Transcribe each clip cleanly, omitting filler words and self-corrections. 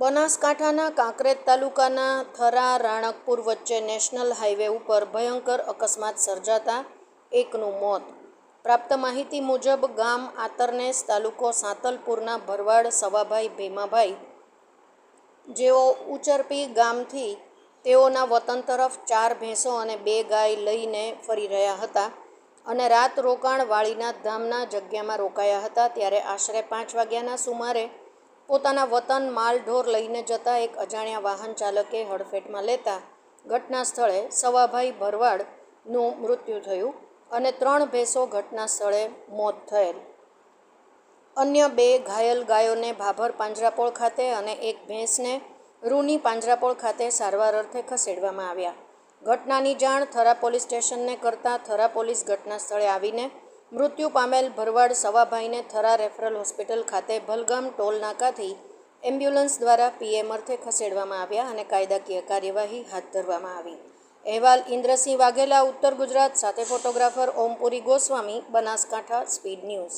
બનાસકાંઠાના કાંકરેજ તાલુકાના થરા રાણકપુર વચ્ચે નેશનલ હાઈવે ઉપર ભયંકર અકસ્માત સર્જાતા એકનું મોત. પ્રાપ્ત માહિતી મુજબ ગામ આતરનેસ તાલુકો સાંતલપુરના ભરવાડ સવાભાઈ ભીમાભાઈ, જેઓ ઉચરપી ગામથી તેઓના વતન તરફ 4 ભેંસો અને 2 ગાય લઈને ફરી રહ્યા હતા અને રાત રોકાણ વાળીનાથ ધામના જગ્યામાં રોકાયા હતા. ત્યારે આશરે 5 વાગ્યાના સુમારે પોતાના વતન માલઢોર લઈને જતા એક અજાણ્યા વાહન ચાલકે હડફેટમાં લેતા ઘટના સ્થળે સવાભાઈ ભરવાડનું મૃત્યુ થયું અને 3 ભેંસો ઘટના સ્થળે મોત થયેલ. અન્ય 2 ઘાયલ ગાયોને ભાભર પાંજરાપોળ ખાતે અને 1 ભેંસને રૂની પાંજરાપોળ ખાતે સારવાર અર્થે ખસેડવામાં આવ્યા. ઘટનાની જાણ થરા પોલીસ સ્ટેશનને કરતાં થરા પોલીસ ઘટના સ્થળે આવીને મૃત્યુ પામેલ ભરવાડ સવાભાઈને થરા રેફરલ હોસ્પિટલ ખાતે ભલગામ ટોલ નાકાથી એમ્બ્યુલન્સ દ્વારા પીએમ અર્થે ખસેડવામાં આવ્યા અને કાયદાકીય કાર્યવાહી હાથ ધરવામાં આવી. અહેવાલ ઇન્દ્રસિંહ વાઘેલા, ઉત્તર ગુજરાત. સાથે photographer Ompuri Goswami, Banaskantha speed news.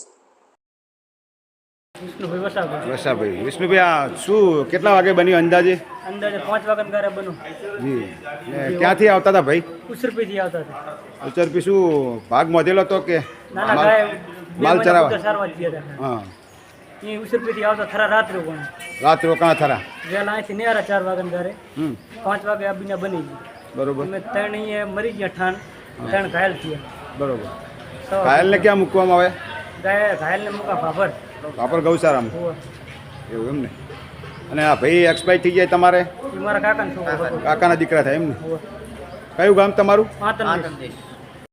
Vasabhai, Vishnubhai, આ શું કેટલા વાગે બન્યું અંદાજે? અંદાજે 5 વાગ્યા ગારે બન્યું. જી, ક્યાંથી આવતા હતા ભાઈ? ઉસરપીથી આવતા હતા. ઉચરપી શું ભાગ મોધેલો હતો કે નાના ગાય માલ ચરાવવા? સારવાર ગયા હતા. હા, એ ઉસરપીથી આવતા થરા રાત રોકાણ. રાત રોકાણા થરા. વહેલા અહીંથી નેરા 4 વાગ્યા ગારે 5 વાગે આ બીના બની ગઈ. બરોબર. અમે 3 અહીંયા મરી ગયા ઠાણ, 3 ઘાયલ થયા. બરોબર. ઘાયલને ક્યાં મૂકવામાં આવે? ઘાયલને મૂકા ભાભર. વાપર ગૌશાળામાં. એવું એમ ને? અને આ ભાઈ એક્સપાયર થઈ જાય તમારે? એ મારા કાકાનો છોકરો હતો. કાકાના દીકરા થાય એમ ને? કયું ગામ તમારું? આતરનેસ.